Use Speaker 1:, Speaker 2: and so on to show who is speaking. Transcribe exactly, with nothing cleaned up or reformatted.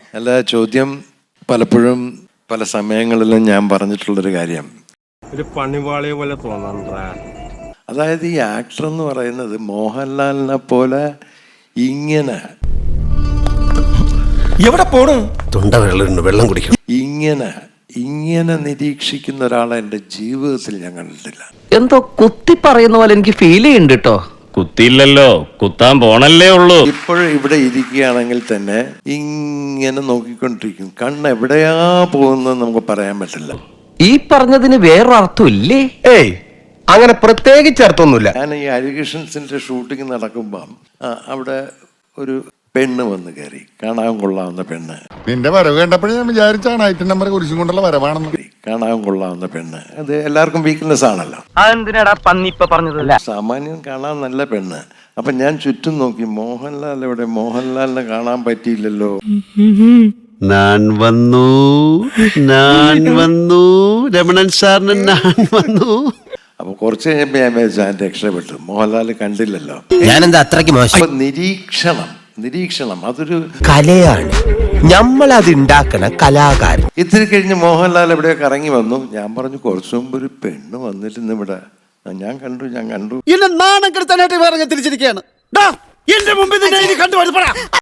Speaker 1: അല്ല, ചോദ്യം പലപ്പോഴും പല സമയങ്ങളിലും ഞാൻ പറഞ്ഞിട്ടുള്ളൊരു കാര്യം,
Speaker 2: ഒരു പണിവാളിയെ പോലെ തോന്നണ്ട.
Speaker 1: അതായത് ഈ ആക്ടർ എന്ന് പറയുന്നത് മോഹൻലാലിനെ പോലെ ഇങ്ങനെ
Speaker 3: എവിടെ പോണു?
Speaker 4: തൊണ്ട വെള്ളം വെള്ളം കുടിക്കണം.
Speaker 1: ഇങ്ങനെ ഇങ്ങനെ നിരീക്ഷിക്കുന്ന ഒരാളെ എൻ്റെ ജീവിതത്തിൽ ഞാൻ കണ്ടിട്ടില്ല.
Speaker 5: എന്തോ കുത്തി പറയുന്ന പോലെ എനിക്ക് ഫീൽ ചെയ്യുന്നുണ്ട് കേട്ടോ.
Speaker 6: കുത്തിയില്ലല്ലോ, കുത്താൻ പോണല്ലേ ഉള്ളൂ.
Speaker 1: ഇപ്പോഴും ഇവിടെ ഇരിക്കുകയാണെങ്കിൽ തന്നെ ഇങ്ങനെ നോക്കിക്കൊണ്ടിരിക്കും. കണ്ണ് എവിടെയാ പോകുന്നത് നമുക്ക് പറയാൻ പറ്റില്ല.
Speaker 5: ഈ പറഞ്ഞതിന് വേറൊരർത്ഥം ഇല്ലേ?
Speaker 3: ഏയ്, അങ്ങനെ പ്രത്യേകിച്ച് അർത്ഥമൊന്നുമില്ല.
Speaker 1: ഞാൻ ഈ ഹരികൃഷ്ണൻസിന്റെ ഷൂട്ടിംഗ് നടക്കുമ്പം അവിടെ ഒരു പെണ്ണ് വന്ന് കയറി, കാണാൻ കൊള്ളാവുന്ന പെണ്ണ്.
Speaker 7: നിന്റെ വരവ് കണ്ടപ്പോഴേ ഞാൻ വിചാരിച്ചാണ് ഐറ്റം നമ്പർ കുരിശും കൊണ്ടുള്ള വരവാണെന്ന്.
Speaker 1: കാണാൻ കൊള്ളാവുന്ന പെണ്ണ്, അത് എല്ലാവർക്കും വീക്ക്നെസ് ആണല്ലോ.
Speaker 5: അതെന്തിനാടാ പന്നിപ്പ പറഞ്ഞതല്ല.
Speaker 1: സാമാന്യം കാണാൻ നല്ല പെണ്ണ്. അപ്പൊ ഞാൻ ചുറ്റും നോക്കി, മോഹൻലാൽ എവിടെ? മോഹൻലാലിനെ കാണാൻ പറ്റിയില്ലല്ലോ.
Speaker 4: ഞാൻ വന്നു ഞാൻ വന്നു രമണൻ സാറിന് ഞാൻ വന്നു.
Speaker 1: അപ്പൊ കുറച്ച് കഴിഞ്ഞപ്പോ ഞാൻ വിചാരിച്ചു ഞാൻ രക്ഷപ്പെട്ടു, മോഹൻലാൽ കണ്ടില്ലല്ലോ.
Speaker 3: ഞാനെന്താ അത്രയ്ക്ക് മോശം?
Speaker 1: അപ്പൊ നിരീക്ഷണം നിരീക്ഷണം അതൊരു
Speaker 3: കലയാണ്. നമ്മൾ അത് ഉണ്ടാക്കണ കലാകാരൻ.
Speaker 1: ഇത്തിരി കഴിഞ്ഞ് മോഹൻലാൽ എവിടെയൊക്കെ ഇറങ്ങി വന്നു. ഞാൻ പറഞ്ഞു, കുറച്ചു മുമ്പ് ഒരു പെണ്ണ് വന്നിരുന്നു ഇവിടെ, ഞാൻ കണ്ടു ഞാൻ കണ്ടു
Speaker 4: എന്നെ നാണം കെടുത്താനായിട്ട് വേറെ തിരിച്ചിരിക്കുകയാണ്. എന്റെ മുമ്പിൽ കണ്ടുപോയി